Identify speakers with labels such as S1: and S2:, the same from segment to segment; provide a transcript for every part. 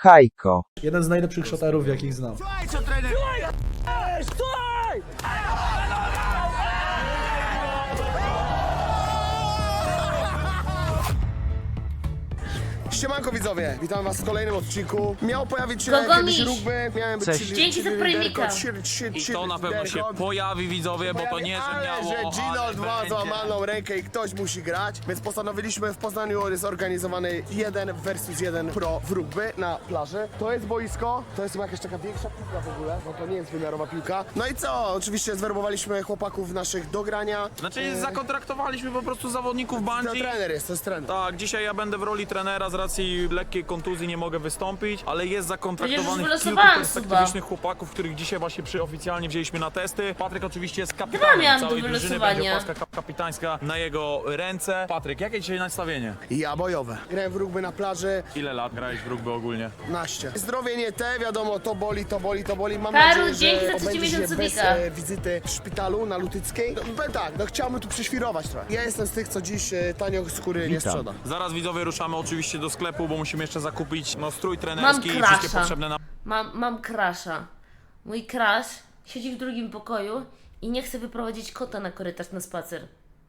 S1: Hajko.
S2: Jeden z najlepszych szoterów, jakich znam.
S3: Siemanko widzowie, witam was w kolejnym odcinku. Miał pojawić się
S4: Gogomiś.
S3: kiedyś rugby, miałem być
S1: Cześć.
S4: Dzięki za premika.
S5: I to na pewno się pojawi, widzowie, bo to nie, że
S3: ale
S5: miało,
S3: że Ginold ma
S5: będzie.
S3: złamaną rękę i ktoś musi grać, więc postanowiliśmy w Poznaniu zorganizowany 1 versus 1 pro w rugby na plaży. To jest boisko, to jest chyba jakaś taka większa piłka w ogóle, bo to nie jest wymiarowa piłka. No i co? Oczywiście zwerbowaliśmy chłopaków naszych do grania.
S5: Znaczy zakontraktowaliśmy po prostu zawodników
S3: To
S5: Bungie.
S3: trener jest, to jest trener.
S5: Tak, dzisiaj ja będę w roli trenera, z racji lekkiej kontuzji nie mogę wystąpić, ale jest zakontraktowanych
S4: Przecież już
S5: kilku
S4: wylosowałam
S5: perspektywicznych chłopaków, których dzisiaj właśnie oficjalnie wzięliśmy na testy. Patryk oczywiście jest
S4: Chyba
S5: kapitanem
S4: miałam
S5: całej
S4: do
S5: drużyny,
S4: wylosowania.
S5: będzie opaska kapitańska na jego ręce. Patryk, jakie dzisiaj nastawienie?
S3: Ja bojowe. Grałem w rugby na plaży,
S5: Ile lat grałeś w rugby ogólnie?
S3: 15. Zdrowie nie te, wiadomo, to boli, to boli, to boli. Mam
S4: Karu,
S3: nadzieję,
S4: dzięki
S3: że
S4: za trzeci
S3: obędzie się
S4: miesiąc
S3: bez
S4: subika.
S3: wizyty w szpitalu na Lutyckiej. No, tak, no chciałbym tu prześwirować trochę. Ja jestem z tych, co dziś tanio skóry nie sprzeda.
S5: Zaraz widzowie ruszamy oczywiście do sklepu, bo musimy jeszcze zakupić strój trenerski i
S4: Mam
S5: wszystkie
S4: crasha.
S5: potrzebne nam
S4: Mam crasha. Mój crash siedzi w drugim pokoju i nie chce wyprowadzić kota na korytarz na spacer.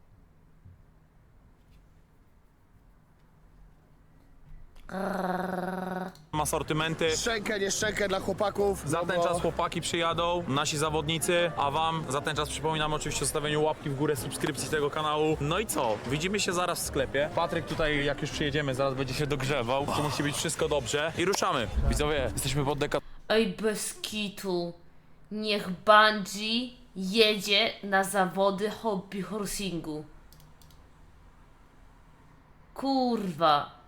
S5: asortymenty.
S3: Szczękę, nie szczękę dla chłopaków.
S5: Za
S3: no
S5: ten
S3: bo-
S5: czas chłopaki przyjadą, nasi zawodnicy, a wam za ten czas przypominam oczywiście o stawieniu łapki w górę, subskrypcji tego kanału. No i co? Widzimy się zaraz w sklepie. Patryk tutaj, jak już przyjedziemy, zaraz będzie się dogrzewał. Tu musi być wszystko dobrze. I ruszamy. Widzowie, jesteśmy pod deka...
S4: Oj, bez kitu. Niech Bungie jedzie na zawody hobby horsingu. Kurwa.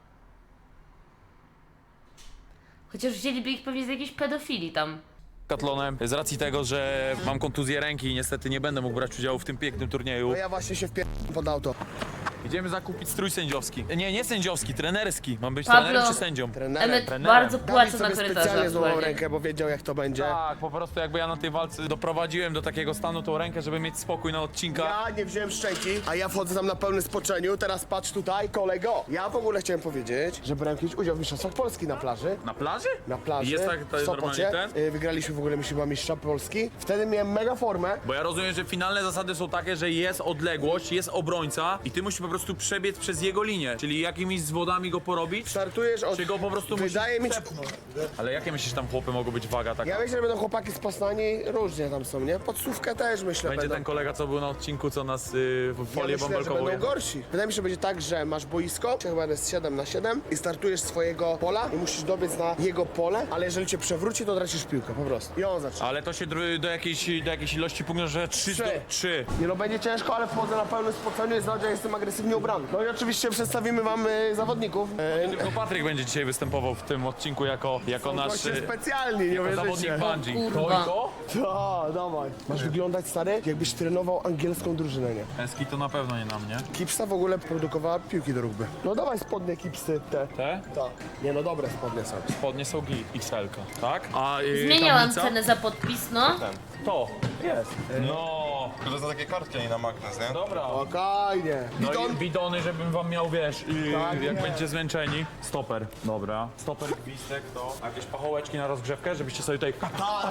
S4: Chociaż wzięliby ich pewnie z jakiejś pedofilii tam.
S5: Katlonem. Z racji tego, że mam kontuzję ręki i niestety nie będę mógł brać udziału w tym pięknym turnieju.
S3: No ja właśnie się pod auto.
S5: Idziemy zakupić strój sędziowski. Nie sędziowski, trenerski. Mam być
S4: Pablo.
S5: trenerem czy sędzią?
S3: Trenerem.
S4: Emmet
S5: trenerem.
S4: bardzo
S3: Dawid
S4: płacze na
S3: sobie
S4: korytarzach.
S3: specjalnie złamał
S4: aktualnie.
S3: rękę, bo wiedział jak to będzie.
S5: Tak, po prostu jakby ja na tej walce doprowadziłem do takiego stanu tą rękę, żeby mieć spokój na odcinkach.
S3: Ja nie wziąłem szczęki, a ja wchodzę tam na pełnym spoczeniu. Teraz patrz tutaj, kolego. Ja w ogóle chciałem powiedzieć, że brałem kiedyś udział w Mistrzostwach Polski na plaży.
S5: Na plaży?
S3: Na plaży.
S5: Jest tak, to
S3: w
S5: jest
S3: Sopocie.
S5: normalnie ten?
S3: Wygraliśmy w ogóle chyba mistrza Polski. Wtedy miałem mega formę.
S5: Bo ja rozumiem, że finalne zasady są takie, że jest odległość, jest obrońca i ty musisz po prostu przebiec przez jego linię, czyli jakimiś zwodami go porobić,
S3: Startujesz od...
S5: czy go po prostu
S3: Wydaje mi
S5: musisz
S3: się...
S5: przepchnąć. Ale jakie myślisz tam chłopy mogą być waga taka?
S3: Ja myślę, że będą chłopaki z Poznani, różnie tam są, nie? Podsówkę też myślę
S5: Będzie
S3: będą.
S5: ten kolega, co był na odcinku, co nas w
S3: Ja
S5: folię
S3: myślę, że
S5: bąbelkową
S3: będą gorsi. Wydaje mi się, że będzie tak, że masz boisko, chyba jest 7-7 i startujesz z swojego pola i musisz dobiec na jego pole, ale jeżeli cię przewróci, to tracisz piłkę, po prostu. I on zaczyna.
S5: Ale to się do jakiejś ilości punktów, że 3 do 3.
S3: Nie no, będzie ciężko, ale wchodzę na pełnym spoceniu i znaczy, że jestem agresywnie ubrany. No i oczywiście przedstawimy wam zawodników.
S5: Tylko Patryk będzie dzisiaj występował w tym odcinku jako nasz
S3: Goście specjalni, nie
S5: zawodnik
S3: wierzycie.
S5: Bungie.
S4: Kurwa.
S5: To i to?
S3: Tak, dawaj. Masz wyglądać, stary, jakbyś trenował angielską drużynę, nie?
S5: Eski to na pewno nie na mnie.
S3: Kipsa w ogóle produkowała piłki do rugby. No dawaj spodnie Kipsy, te.
S5: Te?
S3: Tak. Nie no, dobre spodnie są.
S5: Spodnie są XL-ka, tak? A
S4: Zmieniałam
S5: tablica?
S4: cenę za podpis, no.
S5: To. Jest. No.
S6: To za takie kartki, a nie na magnes, nie?
S5: Dobra.
S3: Spokojnie.
S5: No
S3: Bidon.
S5: i bidony, żebym wam miał, wiesz,
S3: Tak
S5: jak
S3: jest.
S5: będziecie zmęczeni. Stoper. Dobra. Stoper, gwizdek, to. A jakieś pachołeczki na rozgrzewkę, żebyście sobie tutaj...
S3: A,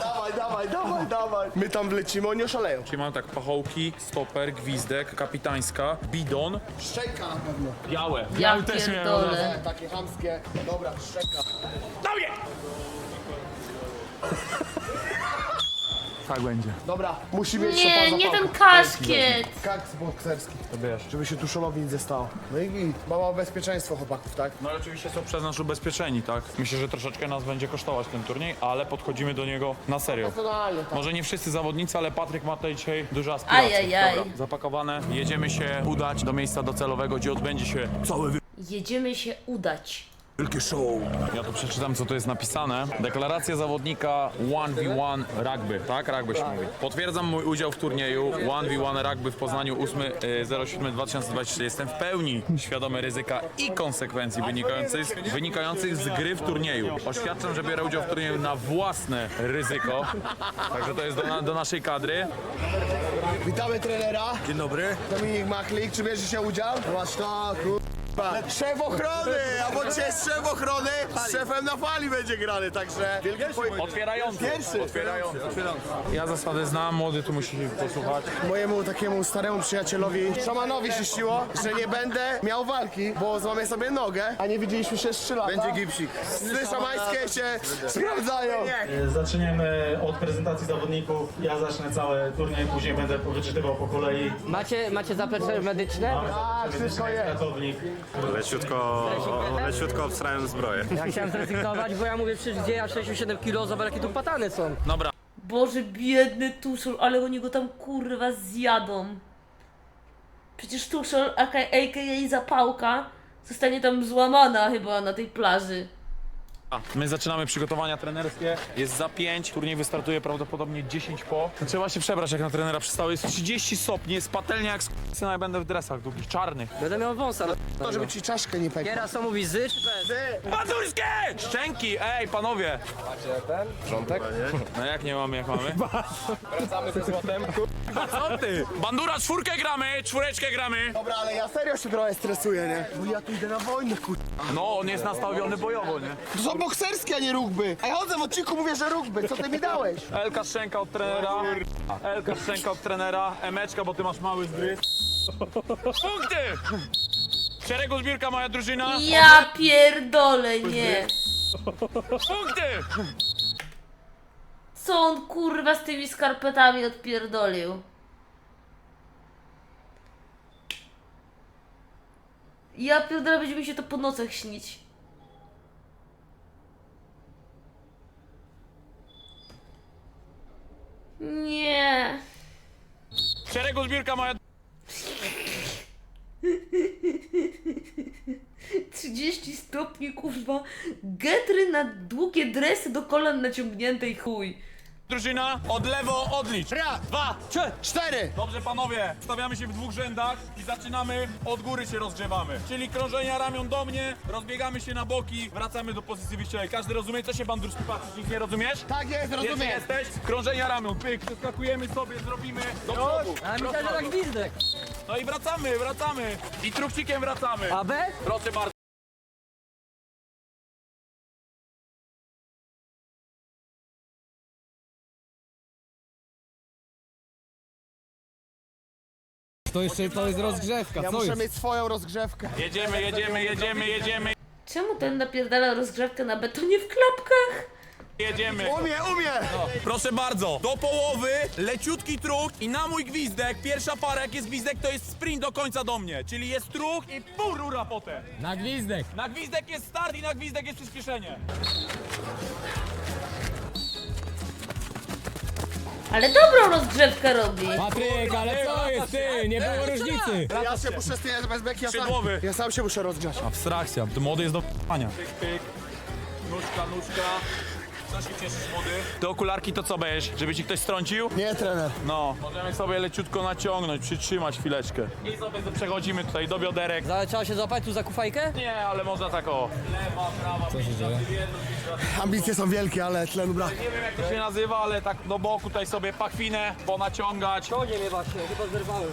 S3: dawaj. My tam wlecimy, oni oszaleją.
S5: Czyli mam tak, pachołki, stoper, gwizdek, kapitańska, bidon,
S3: Szczęka na pewno.
S5: białe.
S4: Ja
S5: Białe też miałem od razu.
S4: pierdolę.
S3: Takie chamskie. Dobra, szczęka.
S5: Tak będzie.
S3: Dobra, musi mieć
S4: Nie,
S3: szopa
S4: nie ten
S3: zapałkę.
S4: kaszkiet.
S3: Kaks bokserski.
S5: To wiesz.
S3: Żeby się tuszonowi nic nie stało. No i git. Mama o bezpieczeństwo chłopaków, tak?
S5: No ale oczywiście są przez nas ubezpieczeni, tak? Myślę, że troszeczkę nas będzie kosztować ten turniej, ale podchodzimy do niego na serio.
S3: Personalnie, tak.
S5: Może nie wszyscy zawodnicy, ale Patryk ma tutaj dzisiaj duże aspiracje.
S4: Ajajaj.
S5: Dobra, zapakowane. Jedziemy się udać do miejsca docelowego, gdzie odbędzie się cały
S4: Jedziemy się udać.
S5: wielki show. Ja tu przeczytam, co tu jest napisane. Deklaracja zawodnika 1v1 rugby, tak? Rugby się mówi. Potwierdzam mój udział w turnieju 1v1 rugby w Poznaniu 8.07.2023. Jestem w pełni świadomy ryzyka i konsekwencji wynikających z gry w turnieju. Oświadczam, że biorę udział w turnieju na własne ryzyko. Także to jest do naszej kadry.
S3: Witamy trenera.
S5: Dzień dobry.
S3: Dominik Machlik, czy bierze się udział? Zobacz to, Szef ochrony, a bo dzisiaj jest szef ochrony, z szefem na fali będzie grany, także wielki
S5: Otwierający.
S3: Pierwszy.
S5: Otwierający. Ja zasady znam, młody tu musi posłuchać.
S3: Mojemu takiemu staremu przyjacielowi, szamanowi się śniło, że nie będę miał walki, bo złamię sobie nogę, a nie widzieliśmy się z 3 lata. Będzie gipsik. Sny szamańskie się sprawdzają.
S1: Zaczniemy od prezentacji zawodników. Ja zacznę cały turniej, później będę wyczytywał po kolei.
S7: Macie zaplecze medyczne?
S3: Tak, wszystko jest.
S1: Ratownik.
S8: Leciutko obstrałem zbroję.
S7: Ja chciałem zrezygnować, bo ja mówię przecież gdzie ja 67 kg, zobacz jakie tu patany są.
S5: Dobra.
S4: Boże, biedny Tuszol, ale oni go tam kurwa zjadą. Przecież Tuszol, a.k.a. Zapałka, zostanie tam złamana chyba na tej plaży.
S5: My zaczynamy przygotowania trenerskie. Jest za 5. Turniej wystartuje prawdopodobnie 10 po. Trzeba się przebrać jak na trenera przystało. Jest 30 stopni, jest patelnia jak syna, ja będę w dresach długich, czarnych.
S7: Będę miał wąsa.
S3: To, żeby ci czaszkę nie pekła.
S7: Teraz co mówi zy czy bez?
S5: Pazurskie! Szczęki! Ej, panowie! No jak nie mamy, jak mamy? Wracamy ze złotem. A co ty? Bandura, 4 gramy, 4 gramy.
S3: Dobra, ale ja serio się trochę stresuję, nie? Bo ja tu idę na wojnę,
S5: No, on jest nastawiony bojowo, nie?
S3: To są bokserskie, a nie rugby. A ja chodzę w odcinku, mówię, że rugby. Co ty mi dałeś?
S5: Elka Szczęka od trenera. Elka Szczęka od trenera. Emeczka, bo ty masz mały zgryz. Punkty! W szeregu zbiórka moja drużyna.
S4: Ja pierdolę, nie.
S5: Punkty!
S4: Co on kurwa z tymi skarpetami odpierdolił? Ja pierdolę, będzie mi się to po nocach śnić. Nie.
S5: W szeregu zbiórka moja...
S4: 30 stopni, kurwa. Getry na długie dresy do kolan naciągnięte i chuj.
S5: Drużyna, od lewo odlicz.
S3: Raz,
S5: 2,
S3: 4.
S5: Dobrze panowie, stawiamy się w 2 rzędach i zaczynamy, od góry się rozgrzewamy. Czyli krążenia ramion do mnie, rozbiegamy się na boki, wracamy do pozycji wyjściowej. Każdy rozumie, co się bandurski patrzy, nic nie rozumiesz?
S3: Tak jest,
S5: Pierwszy
S3: rozumiem.
S5: jesteś, krążenia ramion, pyk, przeskakujemy sobie, zrobimy do przodu.
S7: A myślałem, że tak gwizdek.
S5: No i wracamy. I truchcikiem wracamy.
S7: A bez?
S5: Proszę bardzo.
S2: To jest rozgrzewka,
S3: Ja
S2: co
S3: muszę
S2: jest?
S3: mieć swoją rozgrzewkę.
S5: Jedziemy.
S4: Czemu ten napierdala rozgrzewkę na betonie w klapkach?
S3: Umie.
S5: Proszę bardzo, do połowy, leciutki truch i na mój gwizdek, pierwsza para jak jest gwizdek, to jest sprint do końca do mnie. Czyli jest truch i pół rura potem.
S2: Na gwizdek.
S5: Na gwizdek jest start i na gwizdek jest przyspieszenie.
S4: Ale dobrą rozgrzewkę robi.
S2: Patryk, ale co jest ty? Nie było różnicy.
S3: Ja się muszę styjać bez beki,
S5: Skrzydłowy.
S3: ja sam się muszę rozgrzać.
S5: Abstrakcja, to młody jest do p***ania. Pyk, pyk, nóżka. Co się cieszysz, młody? Te okularki to co będziesz? Żeby ci ktoś strącił?
S3: Nie, trener.
S5: No, możemy sobie leciutko naciągnąć, przytrzymać chwileczkę. I sobie przechodzimy tutaj do bioderek.
S7: Trzeba się złapać tu za kufajkę?
S5: Nie, ale można tak o. Lewa, prawa, co się dzieje?
S3: Ambicje są wielkie, ale tlenu brak.
S5: Nie wiem jak to się nazywa, ale tak do boku tutaj sobie pachwinę ponaciągać.
S7: To nie mnie właśnie, chyba zerwałem.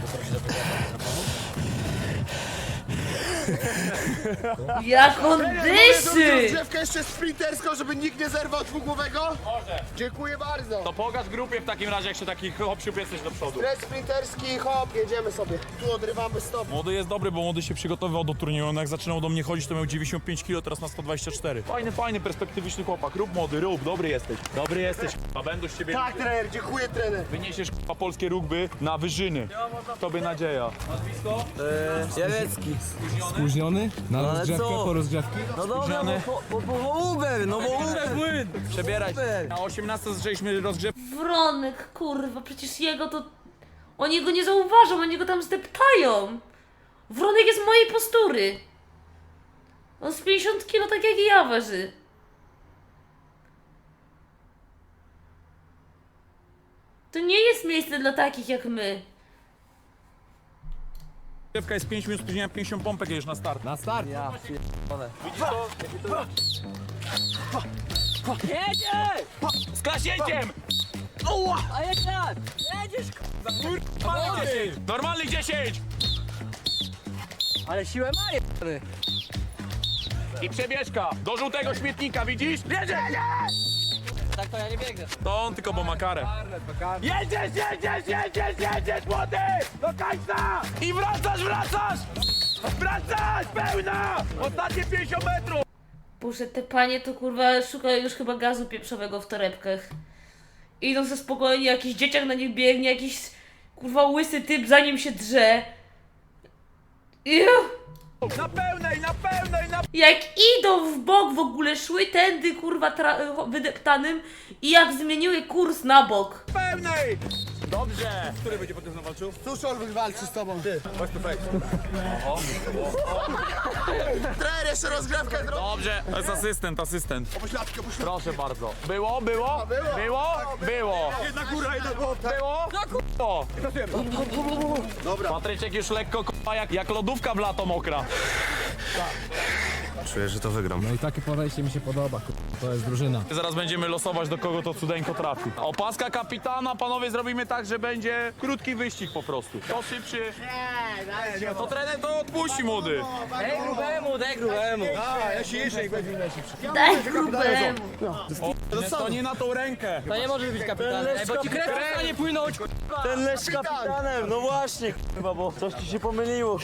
S4: Jak on dyszy!
S3: Rozgrzewkę jeszcze sprinterską, żeby nikt nie zerwał dwugłowego?
S5: Może.
S3: Dziękuję bardzo.
S5: To pokaż grupie w takim razie, jak się taki hop-siup jesteś do przodu.
S3: Stres sprinterski, hop, jedziemy sobie. Tu odrywamy stop.
S5: Młody jest dobry, bo młody się przygotowywał do turnieju. On jak zaczynał do mnie chodzić, to miał 95 kg, teraz ma 124. Fajny, perspektywiczny chłopak. Rób młody, rób, dobry jesteś. A będą z ciebie...
S3: Tak, trener, dziękuję, trener.
S5: Wyniesiesz polskie rugby na wyżyny. Tobie nadzieja. Nazwisko?
S7: Jelecki.
S2: Spóźniony? Na
S7: ale
S2: rozgrzewkę,
S7: co?
S2: po rozgrzewki?
S7: No dobra,
S5: Spóźniony.
S7: bo Uber, no bo Uber.
S5: Przebieraj się. Na 18 zaczęliśmy rozgrzewkę.
S4: Wronek, kurwa, przecież jego to... Oni go nie zauważą, oni go tam zdeptają. Wronek jest mojej postury. On z 50 kilo tak jak i ja waży. To nie jest miejsce dla takich jak my.
S5: Rozgrzewka jest 5 minut spóźnienia, 50 pompek jedziesz na start.
S2: Na start.
S7: Ja
S5: Widzisz to?
S7: Jedzie!
S5: Z klaśnięciem!
S7: A jak tak? Jedziesz,
S5: Normalny 10! Normalny 10!
S7: ale siłę ma.
S5: I przebieżka do żółtego śmietnika, widzisz? Jedziesz!
S7: Tak to ja nie biegnę.
S5: To on tylko bo ma karę. Jedziesz, młody! Do końca! I wracasz! Wracasz! Pełna! Ostatnie 50 metrów!
S4: Boże, te panie to kurwa szukają już chyba gazu pieprzowego w torebkach. Idą ze spokojnie, jakiś dzieciak na nich biegnie, jakiś kurwa łysy typ za nim się drze.
S5: Na pełnej!
S4: Jak idą w bok w ogóle, szły tędy kurwa wydeptanym i jak zmieniły kurs na bok.
S5: Pełnej! Dobrze! Który będzie potem walczył?
S3: Tuszol wywalczy z tobą. Ty. Chodź tu fake. Trener, jeszcze rozgrzewkę zrobił.
S5: Dobrze, to jest asystent.
S3: Pośladkę.
S5: Proszę bardzo. Było?
S3: Jedna góra, jedna głowa.
S5: Było? Dobra. Patryczek już lekko k***a jak lodówka w lato mokra.
S6: Czuję, że to wygram.
S2: No i takie podejście mi się podoba, to jest drużyna.
S5: Zaraz będziemy losować, do kogo to cudeńko trafi. Opaska kapitana, panowie, zrobimy tak, że będzie krótki wyścig po prostu. To szybszy. To trener to odpuści, młody.
S7: Daj grubemu.
S4: Daj grubemu.
S5: To nie na tą rękę.
S7: To nie może być kapitanem, bo ci krew przestanie płynąć.
S8: Ten lecz kapitanem, no właśnie, chyba, bo coś ci się pomyliło.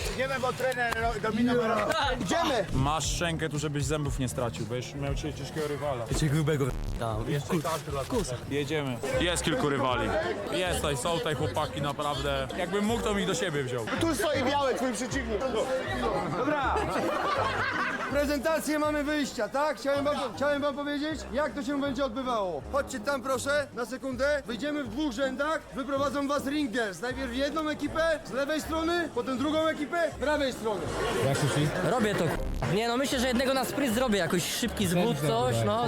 S3: Idziemy.
S5: Masz szczękę tu, żebyś zębów nie stracił, bo już miał dzisiaj ciężkiego rywala.
S8: Cię grubego
S5: Jedziemy. Jest kilku rywali. Są tutaj chłopaki, naprawdę. Jakbym mógł, to mi do siebie wziął.
S3: Tu stoi biały, twój przeciwnik.
S9: Prezentację mamy wyjścia, tak? Chciałem wam powiedzieć, jak to się będzie odbywało. Chodźcie tam proszę, na sekundę. Wyjdziemy w dwóch rzędach, wyprowadzą was ringers. Najpierw jedną ekipę z lewej strony, potem drugą ekipę z prawej strony.
S2: Jak sushi?
S7: Robię to. Nie no, myślę, że jednego na sprint zrobię, jakoś szybki zbód, coś, no.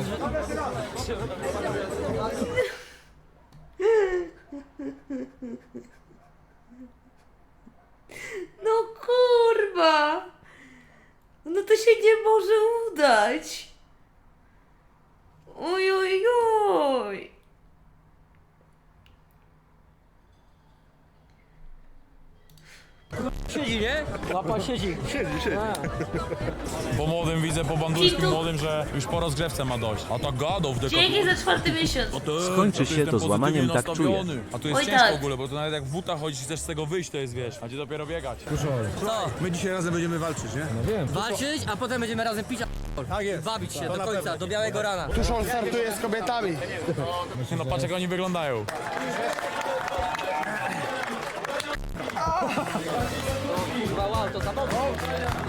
S4: No kurwa. No to się nie może udać. Oj, oj, oj.
S7: Siedzi, nie? Łapa siedzi.
S5: Po młodym widzę, po bandurskim
S4: Kitu.
S5: młodym, że już po rozgrzewce ma dojść. A tak gadał w
S4: Dzięki za 4. miesiąc.
S10: Skończy się to złamaniem, tak czuję.
S5: A tu jest
S4: Oj,
S5: ciężko
S4: tak.
S5: w ogóle, bo to nawet jak w butach chodzisz i chcesz z tego wyjść, to jest wiesz. A gdzie dopiero biegać.
S7: Co?
S9: My dzisiaj razem będziemy walczyć, nie?
S2: No wiem.
S7: Walczyć, a potem będziemy razem pić,
S9: Tak jest.
S7: bawić się do końca, do białego rana.
S3: Tuszol startuje z kobietami.
S5: No patrz jak oni wyglądają.
S7: Wow, to samochód.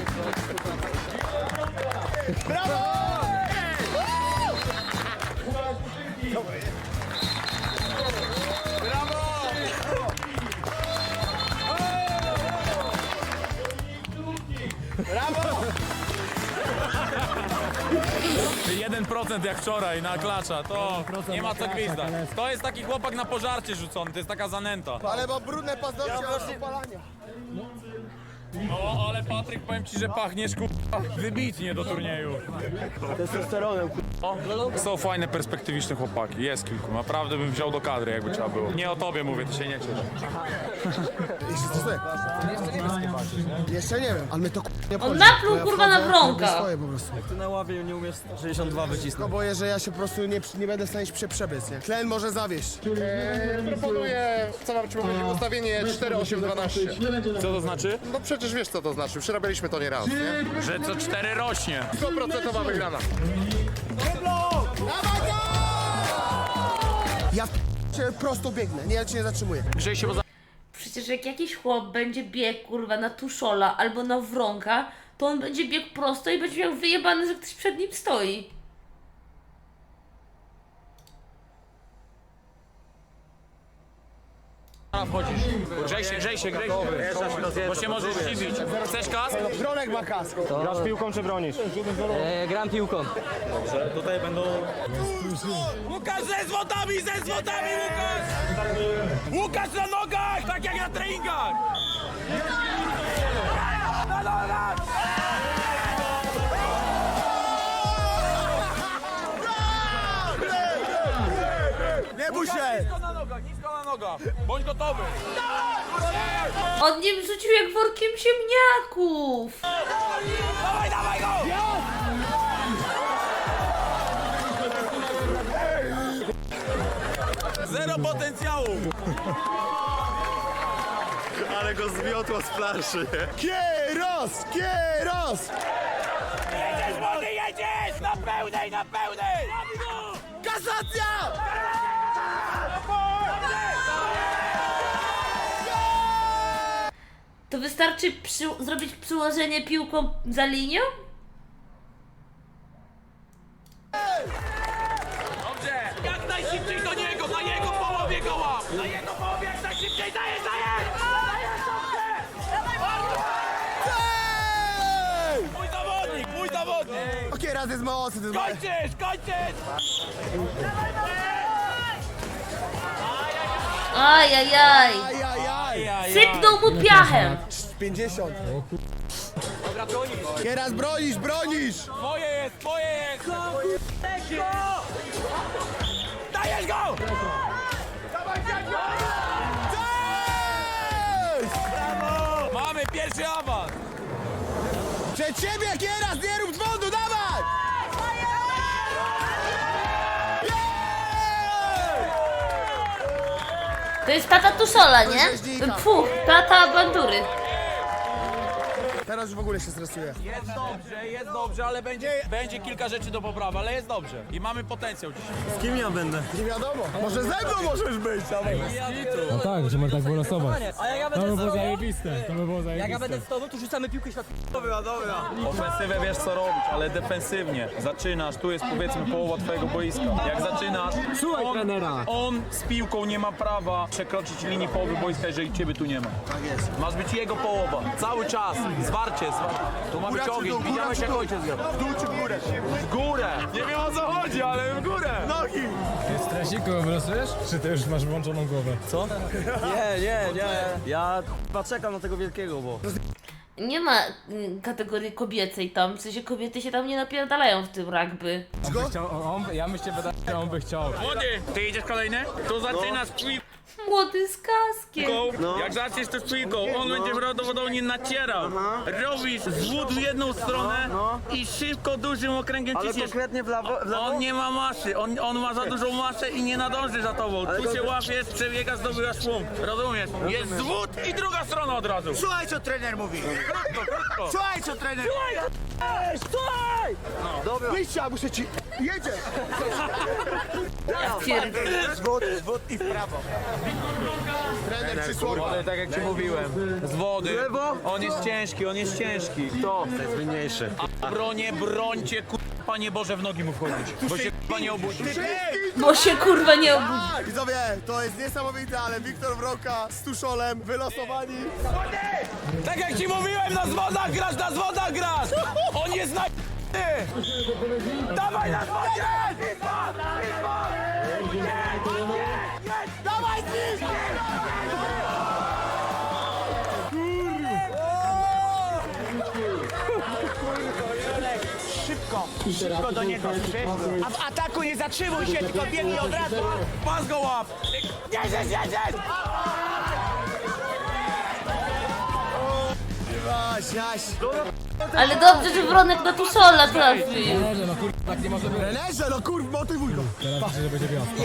S5: Ty 1% jak wczoraj na klacza, to nie ma co gwizdać. To jest taki chłopak na pożarcie rzucony, to jest taka zanęta.
S3: Ale ma brudne paznokcie od opalania.
S5: No, ale Patryk, powiem ci, że pachniesz k***a wybitnie do turnieju.
S8: testosteronem,
S5: Są fajne, perspektywiczne chłopaki, jest kilku. Naprawdę bym wziął do kadry, jakby trzeba było. Nie o tobie mówię, ty się nie ciesz.
S3: Jeszcze coś ty? Jeszcze nie wiem, ale my to nie
S4: On napluł kurwa na wronka.
S3: Swoje po prostu.
S8: Ty na ławie nie umiesz 62 wycisnąć.
S3: No boję, że ja się po prostu nie będę w stanie się przebiec, nie? Tlen może zawieść. Proponuję, co mam ci powiedzieć, ustawienie 4-8-12.
S5: Co to znaczy?
S3: No przecież wiesz co to znaczy, przerabialiśmy to nie raz, nie?
S5: Że co 4 rośnie.
S3: 100% wygrana. Ja się prosto biegnę, ja cię nie zatrzymuję.
S5: Grzej się, bo
S4: Przecież jak jakiś chłop będzie biegł kurwa na Tuszola albo na Wronka, to on będzie biegł prosto i będzie miał wyjebane, że ktoś przed nim stoi.
S5: wchodzisz. Grzej się. Bo się możesz zdziwić. Chcesz kask?
S3: Wronek ma kask.
S8: Grasz piłką czy bronisz?
S7: Gram piłką.
S1: Tutaj będą...
S5: Łukasz ze zwodami, Łukasz! Łukasz na nogach, tak jak na treningach! Na nogach!
S3: Nie bój się!
S5: Nisko na nogach, nisko na noga. Bądź gotowy.
S4: On mnie wrzucił jak workiem ziemniaków.
S5: Dawaj, dawaj go! Zero potencjału.
S6: Ale go zmiotło z planszy.
S3: Kieros! Kieros!
S5: Jedziesz, młody, jedziesz! Na pełnej, na pełnej!
S3: Kasacja!
S4: To wystarczy zrobić przyłożenie piłką za linią?
S5: Dobrze! Jak najszybciej do niego, na jego połowie go łap! Na jego połowie jak najszybciej, dajesz, dajesz! Dajesz, dobrze! Mój zawodnik, mój zawodnik!
S3: Okej, raz jest mocny, to jest mocny.
S5: Kończysz, kończysz!
S4: Ajajaj.
S3: Ajajaj!
S4: Sypnął mu piachem.
S3: 50. Kieras, bronisz, bronisz!
S5: Twoje jest, twoje jest! Dajesz go! Mamy pierwszy awans!
S3: Przed siebie, Kieras, nie rób dzwonu, dawaj!
S4: To jest tata Tuszola, nie? Pfu, tata Bandury.
S3: Teraz już w ogóle się stresuję.
S5: Jest dobrze, ale będzie kilka rzeczy do poprawy, ale jest dobrze. I mamy potencjał dzisiaj.
S8: Z kim ja będę?
S3: Nie wiadomo, może ze mną możesz być, dawaj.
S2: No tak, możemy tak wylosować.
S7: A jak ja
S2: To
S7: będę
S2: by
S7: z
S2: było
S7: tobą,
S2: zajebiste, to by było
S7: jak ja
S2: zajebiste.
S7: będę z tobą, to rzucamy piłkę świat.
S5: Ofensywę wiesz co robić, ale defensywnie. Zaczynasz, tu jest powiedzmy połowa twojego boiska. Jak zaczynasz,
S2: Słuchaj trenera.
S5: on z piłką nie ma prawa przekroczyć linii połowy boiska, jeżeli ciebie tu nie ma.
S3: Tak jest.
S5: Masz być jego połowa. Cały czas. Zwarcie. Tu ma być
S3: Góra czy
S5: ogień.
S3: dół, góra
S5: Widziałeś
S3: czy
S5: jak
S3: dół?
S5: ojciec grał.
S3: W dół czy w górę?
S5: W górę. Nie wiem o co chodzi, ale w górę.
S3: Nogi!
S2: Stresiku, wylosujesz? Czy ty już masz włączoną głowę?
S8: Co? Nie. Ja chyba czekam na tego wielkiego, bo...
S4: Nie ma kategorii kobiecej tam, w sensie kobiety się tam nie napierdalają w tym rugby.
S2: Ja myślę, że on by chciał.
S5: Młody, ty idziesz kolejny? To zaczynasz piłką.
S4: Młody z kaskiem.
S5: Jak zaczniesz to z piłką, on będzie prawdopodobnie nacierał. Robisz zwód w jedną stronę i szybko dużym okręgiem
S8: Ale
S5: ciśniesz.
S8: konkretnie w lewo?
S5: On nie ma masy, on ma za dużą masę i nie nadąży za tobą. Tu się łapiesz, przebiegasz, zdobywasz szum. Rozumiesz? Jest zwód i druga strona od razu.
S3: Słuchaj, co trener mówi!
S5: Krótko.
S3: Słuchaj, co trener mówi!
S8: Słuchaj! Dobra.
S3: Wyjścia, muszę ci... Jedzie! Zwód i w prawo. Trener przysłowia.
S5: Ale tak jak ci mówiłem, z wody. On jest ciężki, on jest ciężki. To
S6: jest mniejszy.
S5: A brońcie, Panie Boże, w nogi mu wchodzić. Bo się nie obudzi.
S4: Bo się kurwa nie obudzi.
S3: Widzowie, to jest niesamowite, ale Wiktor Wroka z Tuszolem wylosowani.
S5: Tak jak ci mówiłem, na zwodach grasz! On jest na... Dawaj na zwodzie!
S3: Dawaj, ty!
S11: Szybko do niego, a w ataku nie zatrzymuj się, tylko biegnij od razu.
S5: Pas go łap!
S11: Jedziesz!
S3: Jaś.
S4: Ale dobrze, że Wronek na Tuszola trafił.
S2: Trenerze, no kurwa, tak nie może być.
S3: Trenerze, no kurwa, motywuj go.
S2: Teraz myślę, że będzie wiosna.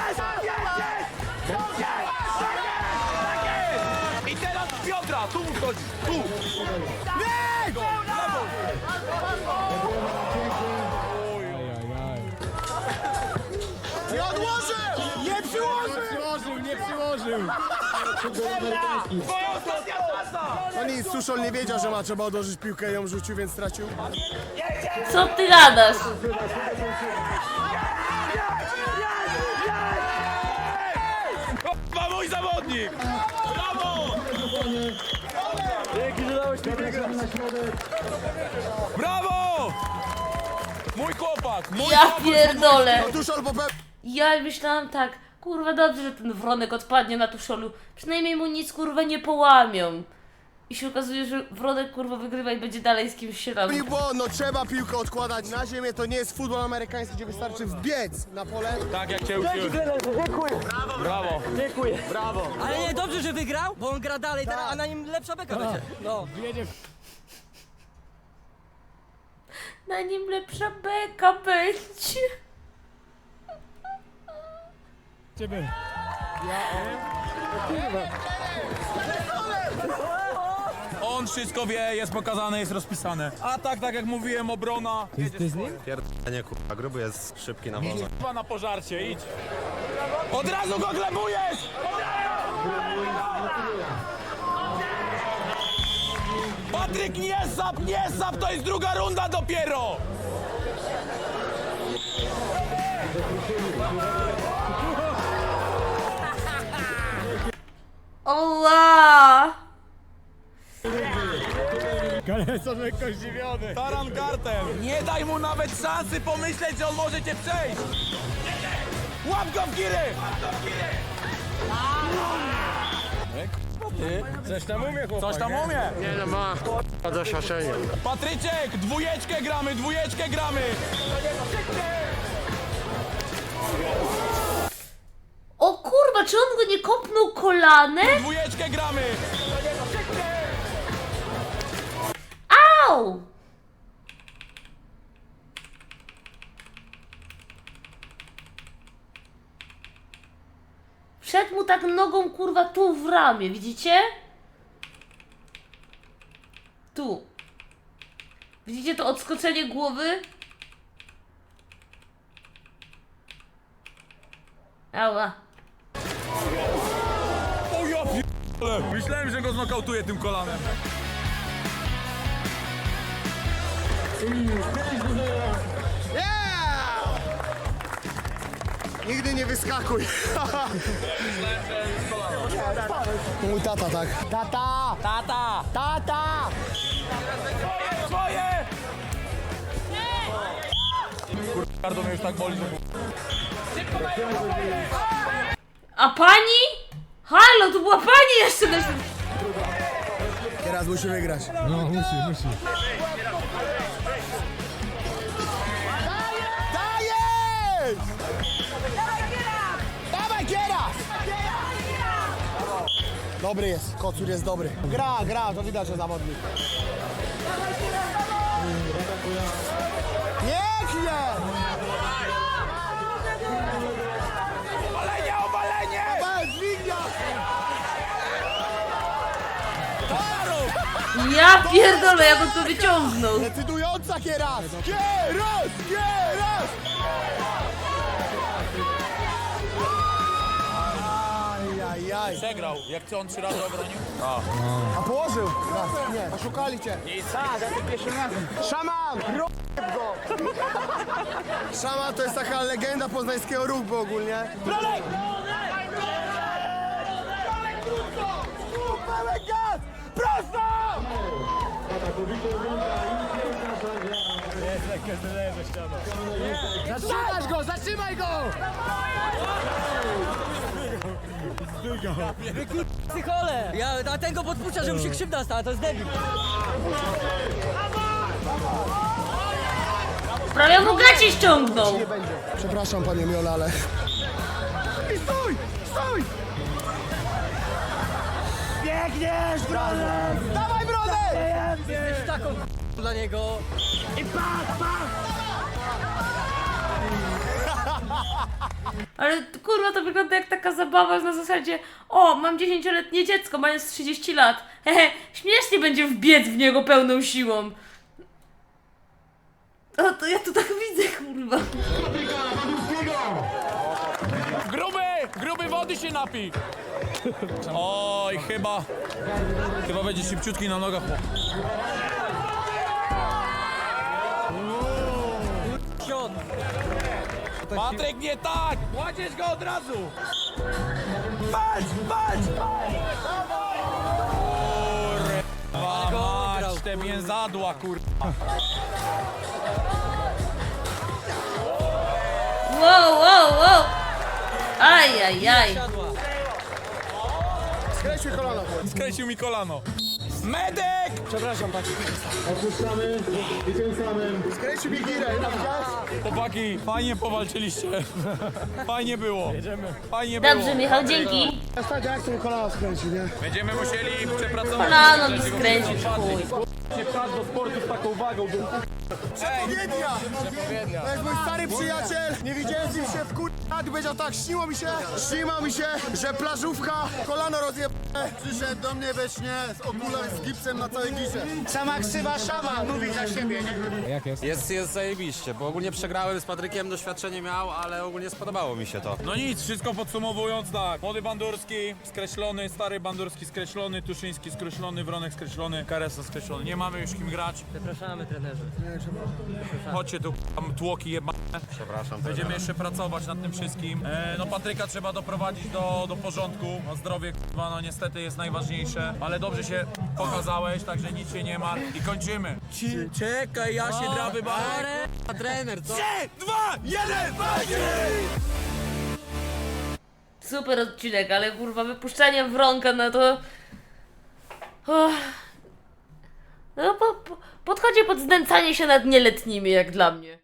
S5: I teraz Piotra, tu mu wchodzi, tu!
S2: Ajajaj.
S3: Nie odłożył! Nie przyłożył!
S2: Nie przyłożył!
S5: Twoja ostatnia szansa!
S3: No nic, Tuszol nie wiedział, że ma trzeba odłożyć piłkę i ją rzucił, więc stracił.
S4: Co ty gadasz?
S5: Kurwa, mój zawodnik! Brawo!
S8: Dzięki, że dałeś mi biegać.
S5: Brawo! Mój chłopak!
S4: Ja pierdolę.
S3: Tuszol po
S4: Ja myślałam tak, kurwa dobrze, że ten Wronek odpadnie na Tuszolu. Przynajmniej mu nic kurwa nie połamią. i się okazuje, że Wronek kurwa wygrywa i będzie dalej z kimś się tam.
S3: Nie było, no trzeba piłkę odkładać na ziemię, to nie jest futbol amerykański, gdzie wystarczy wbiec na pole.
S5: Tak jak cię uczyłem.
S8: Dziękuję.
S5: Brawo.
S8: Dziękuję. Brawo.
S7: Ale nie, dobrze, że wygrał, bo on gra dalej teraz, a na nim lepsza beka będzie. No.
S4: Na nim lepsza beka będzie.
S2: Ciebie.
S5: On wszystko wie, jest pokazane, jest rozpisane. A tak jak mówiłem, obrona.
S2: Ty z nim?
S6: Nie kurwa, gruby jest szybki na wolę.
S5: Chyba na pożarcie, idź. Od razu go glebujesz! Patryk, nie sap, to jest druga runda dopiero!
S4: Oła!
S2: Kalesa lekko zdziwiony.
S5: Taran Garten, nie daj mu nawet szansy pomyśleć, że on może cię przejść! Łap go w giry!
S2: Coś tam umie, chłopak.
S5: Coś tam umie!
S6: Nie no, ma doświadczenie.
S5: Patryczek, dwójeczkę gramy!
S4: O kurwa, czy on go nie kopnął kolanem?
S5: Dwójeczkę gramy!
S4: Au! Wszedł mu tak nogą kurwa tu w ramię, widzicie? Tu. Widzicie to odskoczenie głowy? Ała.
S5: O ja p***le. Myślałem, że go znokautuje tym kolanem.
S3: Yeah! Nigdy nie wyskakuj. Mój tata, tak. Tata!
S7: Tata!
S3: Tata!
S5: Twoje! Kardo mnie już tak boli, że...
S4: A pani? Halo, to była pani jeszcze na
S3: Teraz musi wygrać.
S2: No, musi.
S3: Dajesz! Dawaj, Kieras! Dobry jest, Kocur jest dobry. Gra, to widać, że zawodnik. Pięknie!
S5: Obalenie!
S3: Dźwignia!
S4: Ja pierdolę, jak on to wyciągnął.
S3: Decydująca Kieras! Kieras! Ajajaj.
S5: Przegrał. Jak co on 3 razy obronił?
S3: A położył? Raz, nie, oszukali cię. Szaman! Rob go! Szaman to jest taka legenda poznańskiego rugby ogólnie.
S5: Bronek! Prosto!
S2: Jest lekko zdenerwowane ze ścianą.
S3: Zatrzymaj go!
S7: Psychole! A ten go podpuszcza, że mu się krzywda stała, to jest debil.
S4: Prawie mu gacie ściągnął.
S3: Nie będzie. Przepraszam, panie Miola, ale... I stój!
S8: Biegniesz, Bronek!
S3: Dawaj, Bronek!
S7: Jesteś taką dla niego.
S4: Ale kurwa, to wygląda jak taka zabawa na zasadzie: o, mam 10-letnie dziecko, mając 30 lat. Hehe, śmiesznie będzie wbiec w niego pełną siłą. O, to ja tu tak widzę, kurwa.
S5: Gruby wody się napij! Oj, chyba będzie szybciutki na nogach.
S7: Siod.
S5: Patryk, nie tak! Kładziesz go od razu! Patrz! Kurwa mać, te mięzadła, kurwa.
S4: Wow. Ajajaj.
S7: Siadła.
S3: Skreślił kolana.
S5: Skręcił mi kolano. Medyk!
S1: Opuszczamy i tym samym
S3: Skręcił mi girę,
S5: Chłopaki, fajnie powalczyliście. Fajnie było. Fajnie było.
S4: Dobrze, Michał, dzięki.
S3: Ostatnio jak ten kolana skręcił, nie?
S5: Będziemy musieli przepracować.
S4: Kolano mi skręcił, chuj.
S3: To jest mój stary przyjaciel, nie widziałem z nim się w powiedział tak, śniło mi się, że plażówka, kolano rozjebane. Przyszedł do mnie we śnie z okularem, z gipsem na całej gisze.
S11: Sama ksywa szama mówi za siebie, nie?
S2: Jak jest?
S6: Jest zajebiście, bo ogólnie przegrałem z Patrykiem, doświadczenie miał, ale ogólnie spodobało mi się to.
S5: No nic, wszystko podsumowując tak. Młody Bandurski skreślony, stary Bandurski skreślony, Tuszyński skreślony, Wronek skreślony, Karesa skreślony. Nie mamy już kim grać.
S7: Przepraszamy, trenerze.
S5: Chodźcie tu, tam tłoki jebane.
S6: Przepraszam.
S5: Będziemy jeszcze pracować nad tym wszystkim. No Patryka trzeba doprowadzić do porządku. No zdrowie, k***a, no niestety jest najważniejsze. Ale dobrze się pokazałeś, także nic się nie martw. I kończymy. Czekaj, ja się draby bawię.
S6: A trener, co?
S5: 3, 2, 1, walczy!
S4: Super odcinek, ale kurwa, wypuszczanie Wronka na to... Oh. No, podchodzi pod znęcanie się nad nieletnimi, jak dla mnie.